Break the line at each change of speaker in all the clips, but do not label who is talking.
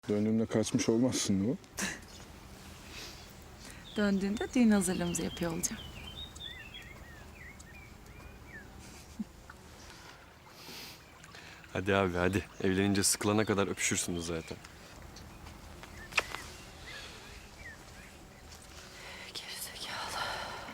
Döndüğümde kaçmış olmazsın değil mi?
Döndüğünde düğün hazırlığımızı yapıyor olacağım.
Hadi abi hadi. Evlenince sıkılana kadar öpüşürsünüz zaten.
Gerizekalı.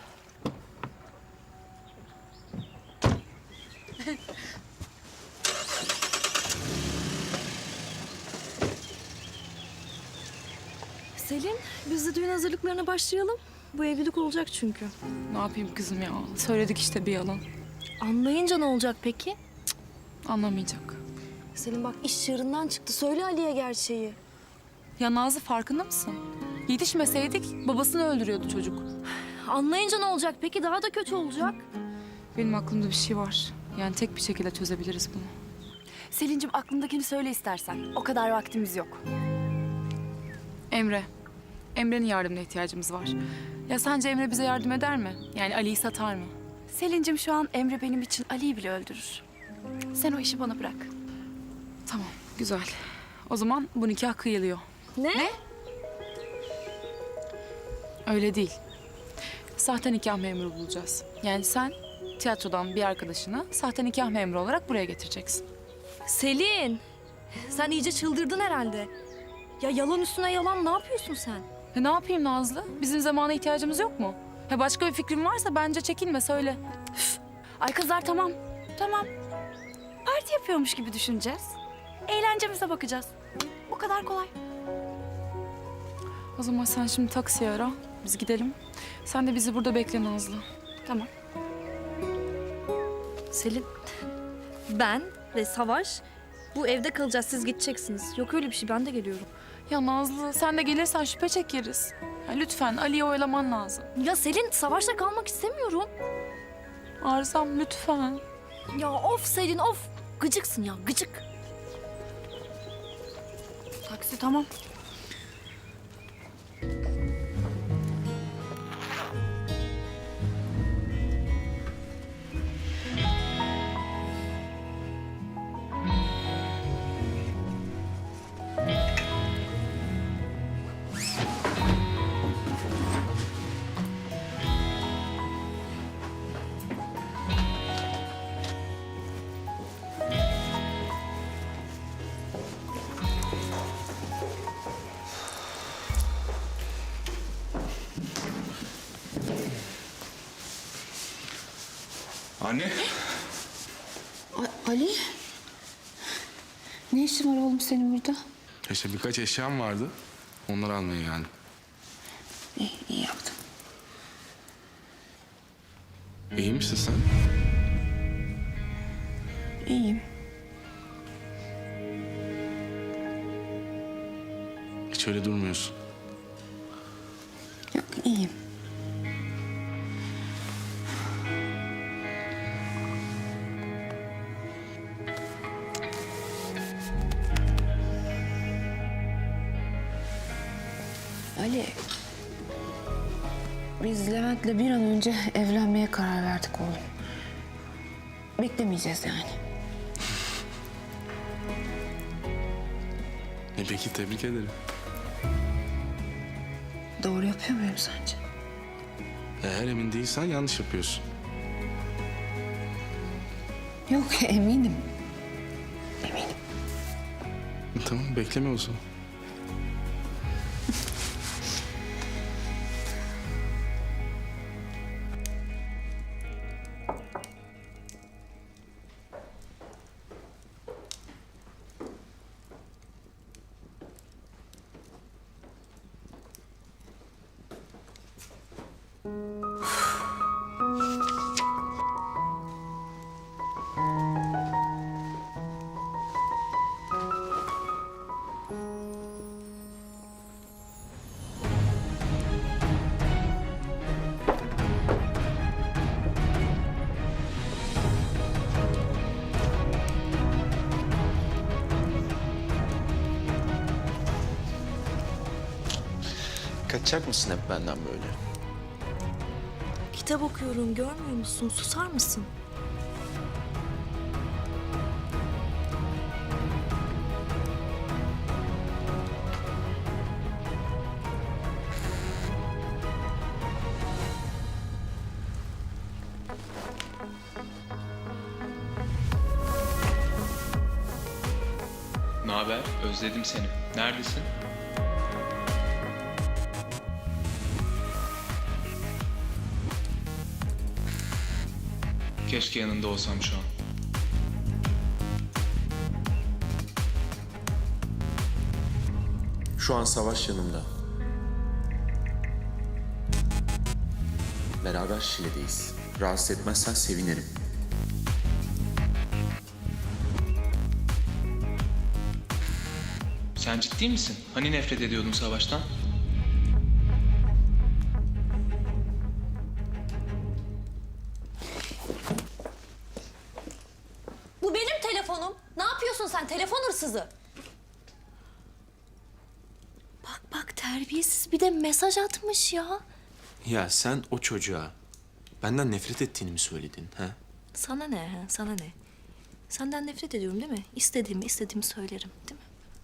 Selin, biz de düğün hazırlıklarına başlayalım. Bu evlilik olacak çünkü.
Ne yapayım kızım ya? Söyledik işte bir yalan.
Anlayınca ne olacak peki?
Anlamayacak.
Selin bak iş çığırından çıktı. Söyle Ali'ye gerçeği.
Ya Nazlı farkında mısın? Yetişmeseydik babasını öldürüyordu çocuk.
Anlayınca ne olacak peki? Daha da kötü olacak.
Benim aklımda bir şey var. Yani tek bir şekilde çözebiliriz bunu.
Selin'cim aklındakini söyle istersen. O kadar vaktimiz yok.
Emre. Emre'nin yardımına ihtiyacımız var. Ya sence Emre bize yardım eder mi? Yani Ali'yi satar mı?
Selin'cim şu an Emre benim için Ali'yi bile öldürür. Sen o işi bana bırak.
Tamam, güzel. O zaman bu nikah kıyılıyor.
Ne?
Öyle değil. Sahte nikah memuru bulacağız. Yani sen tiyatrodan bir arkadaşını sahte nikah memuru olarak buraya getireceksin.
Selin, sen iyice çıldırdın herhalde. Ya yalan üstüne yalan ne yapıyorsun sen?
Ne yapayım Nazlı? Bizim zamana ihtiyacımız yok mu? Ya başka bir fikrin varsa bence çekinme söyle.
Ay kızlar tamam. Tamam. Parti yapıyormuş gibi düşüneceğiz. Eğlencemize bakacağız. Bu kadar kolay.
O zaman sen şimdi taksiye ara. Biz gidelim. Sen de bizi burada bekle Nazlı.
Tamam.
Selin, ben ve Savaş bu evde kalacağız. Siz gideceksiniz. Yok öyle bir şey. Ben de geliyorum.
Ya Nazlı sen de gelirsen şüphe çekeriz. Ya lütfen Ali'yi oyalaman lazım.
Ya Selin, Savaş'la kalmak istemiyorum.
Arzam lütfen.
Ya of Selin of. Gıcıksın ya gıcık.
Taksi tamam.
Anne.
Ali? Ne işin var oğlum senin burada?
İşte birkaç eşyam vardı. Onları almaya geldim.
İyi yaptın.
İyi misin sen?
İyiyim.
Hiç öyle durmuyorsun.
Yok iyiyim. Ali, biz Levent'le bir an önce evlenmeye karar verdik oğlum. Beklemeyeceğiz yani.
Peki tebrik ederim.
Doğru yapıyor muyum sence?
Eğer emin değilsen yanlış yapıyorsun.
Yok eminim. Eminim.
Tamam bekleme o zaman.
Kaçacak mısın hep benden böyle?
Kitap okuyorum görmüyor musun? Susar mısın?
haber? Özledim seni. Neredesin? Keşke yanında olsam şu an.
Şu an Savaş yanımda. Beraber Şile'deyiz. Rahatsız etmezsen sevinirim.
Sen ciddi misin? Hani nefret ediyordun Savaş'tan?
Bu benim telefonum. Ne yapıyorsun sen telefon hırsızı? Bak bak terbiyesiz bir de mesaj atmış ya.
Ya sen o çocuğa benden nefret ettiğini mi söyledin? Ha?
Sana ne ha? Sana ne? Senden nefret ediyorum değil mi? İstediğimi söylerim değil mi?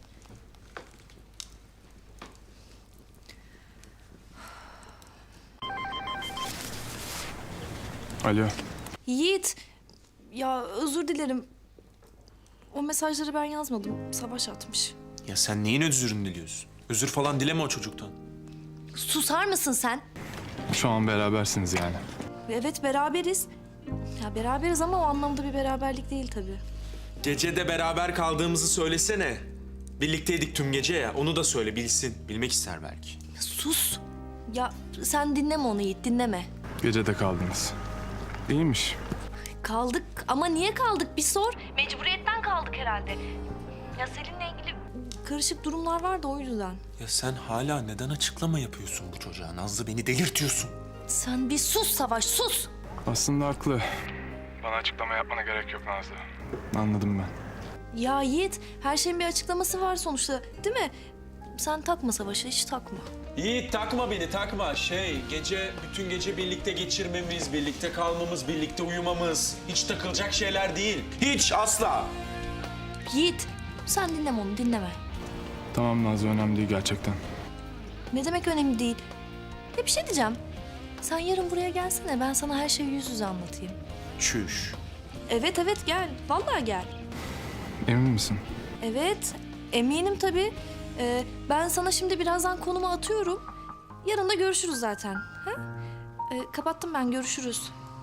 Alo.
Yiğit, ya özür dilerim. O mesajları ben yazmadım. Savaş atmış.
Ya sen neyin özürünü diliyorsun? Özür falan dileme o çocuktan.
Susar mısın sen?
Şu an berabersiniz yani.
Evet beraberiz. Ya beraberiz ama o anlamda bir beraberlik değil tabii.
Gecede beraber kaldığımızı söylesene. Birlikteydik tüm gece ya. Onu da söyle bilsin. Bilmek ister belki.
Sus. Ya sen dinleme onu Yiğit, dinleme.
Gecede kaldınız. İyiymiş.
Kaldık ama niye kaldık bir sor. Mecburiyetten kaldık herhalde. Ya Selin'le ilgili karışık durumlar vardı o yüzden.
Ya sen hala neden açıklama yapıyorsun bu çocuğa? Nazlı beni delirtiyorsun.
Sen bir sus Savaş, sus.
Aslında haklı. Bana açıklama yapmana gerek yok Nazlı. Anladım ben.
Ya Yiğit, her şeyin bir açıklaması var sonuçta değil mi? Sen takma Savaş'a, hiç takma.
Yiğit takma beni takma. Bütün gece birlikte geçirmemiz, birlikte kalmamız, birlikte uyumamız. Hiç takılacak şeyler değil. Hiç asla.
Yiğit, sen dinleme onu, dinleme.
Tamam Nazlı, önemli değil gerçekten.
Ne demek önemli değil. Ya bir şey diyeceğim. Sen yarın buraya gelsene, ben sana her şeyi yüz yüze anlatayım.
Çüş.
Evet gel, vallahi gel.
Emin misin?
Evet, eminim tabii. Ben sana şimdi birazdan konumu atıyorum. Yarın da görüşürüz zaten. Ha? Kapattım ben, görüşürüz.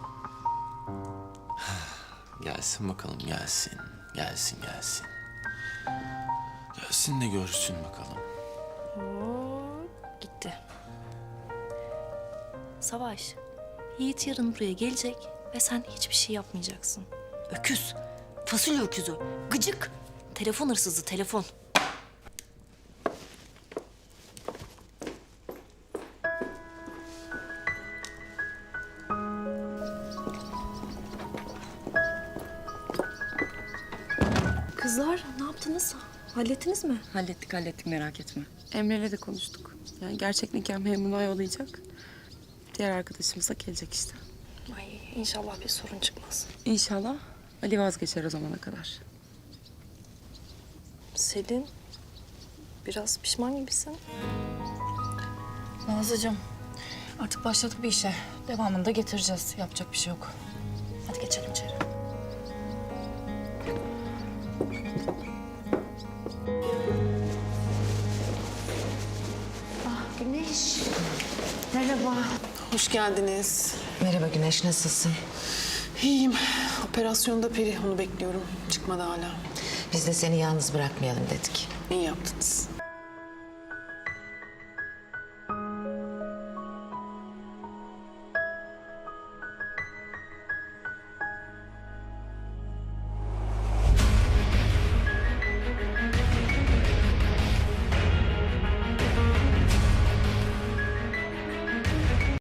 Gelsin bakalım gelsin. Gelsin. Gelsin de görsün bakalım.
Gitti. Savaş, Yiğit yarın buraya gelecek ve sen hiçbir şey yapmayacaksın. Öküz, fasulye öküzü, gıcık, telefon hırsızı, telefon. Kızlar, ne yaptınız? Hallettiniz mi?
Hallettik merak etme. Emre'yle de konuştuk. Yani gerçek nikah memurunu ayarlayacak. Diğer arkadaşımız da gelecek işte.
Ay, inşallah bir sorun çıkmaz.
İnşallah Ali vazgeçer o zamana kadar.
Selin, biraz pişman gibisin.
Nazlıcığım artık başladık bir işe. Devamını da getireceğiz. Yapacak bir şey yok. Hadi geçelim içeri.
Güneş. Merhaba.
Hoş geldiniz.
Merhaba Güneş, nasılsın?
İyiyim. Operasyonda Peri, onu bekliyorum. Çıkmadı hala.
Biz de seni yalnız bırakmayalım dedik.
İyi yaptınız.